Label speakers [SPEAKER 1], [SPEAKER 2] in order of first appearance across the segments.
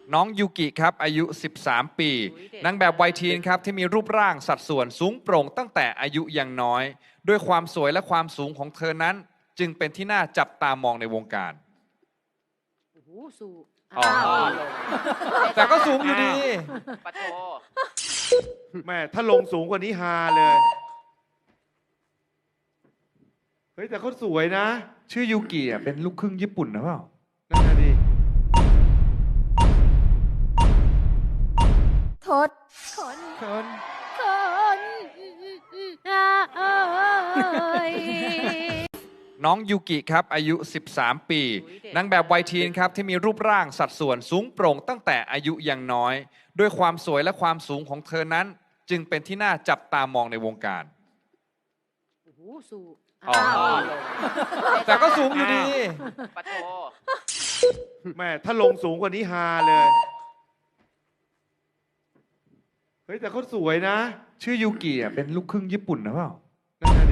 [SPEAKER 1] น้องยูกิครับอายุ 13 ปีนางแบบวัยทีนครับที่มีรูปร่างสัดส่วนสูงโปร่งตั้งแต่อายุยังน้อยด้วยความสวยและความสูงของเธอนั้นจึงเป็นที่น่าจับตามองในวงการ
[SPEAKER 2] โอ้โหสูง
[SPEAKER 1] อ๋อ แต่ก็สูงอยู่ดี
[SPEAKER 3] ปะโท
[SPEAKER 4] แม่ถ้าลงสูงกว่านี้ฮาเลย เฮ้ย แต่เขาสวยนะ
[SPEAKER 1] ชื่อยูกิอ่ะเป็นลูกครึ่งญี่ปุ่นนะเปล่า
[SPEAKER 4] นั่นน่ะดิ
[SPEAKER 2] ทศคน
[SPEAKER 4] คน
[SPEAKER 2] คนเอ้ย
[SPEAKER 1] น้องยูกิครับอายุ 13 ปีนางแบบวัยทีนครับที่มีรูปร่างสัดส่วนสูงโปร่งตั้งแต่อายุยังน้อยด้วยความสวยและความสูงของเธอนั้นจึงเป็นที่น่าจับตามองในวงการ
[SPEAKER 2] โอ้โหสูง
[SPEAKER 1] อ๋อ แต่ก็สูงอยู่ดี
[SPEAKER 3] ปะโท
[SPEAKER 4] แม่ถ้าลงสูงกว่านี้ฮาเลย เฮ้ย แต่เขาสวยนะ
[SPEAKER 1] ชื่อยูกิอ่ะเป็นลูกครึ่งญี่ปุ่นนะเปล่า
[SPEAKER 4] นั่นน่ะดิ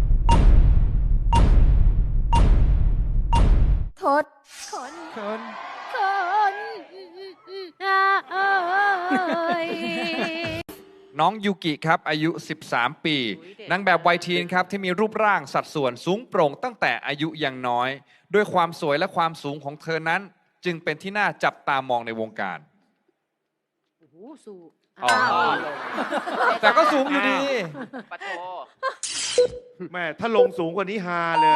[SPEAKER 2] ทศคน
[SPEAKER 4] คน
[SPEAKER 2] คนเอ้ย
[SPEAKER 1] น้องยูกิครับอายุ 13 ปีนางแบบวัยทีนครับที่มีรูปร่างสัดส่วนสูงโปร่งตั้งแต่อายุยังน้อยด้วยความสวยและความสูงของเธอนั้นจึงเป็นที่น่าจับตามองในวงการ
[SPEAKER 2] โอ้โหสูง
[SPEAKER 1] อ๋อ แต่ก็สูงอยู่ดี
[SPEAKER 3] ปะโท
[SPEAKER 4] แม่ถ้าลงสูงกว่านี้ฮาเลย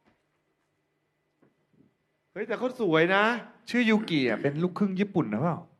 [SPEAKER 4] เฮ้ย แต่เขาสวยนะ
[SPEAKER 1] ชื่อยูกิอ่ะเป็นลูกครึ่งญี่ปุ่นนะเปล่า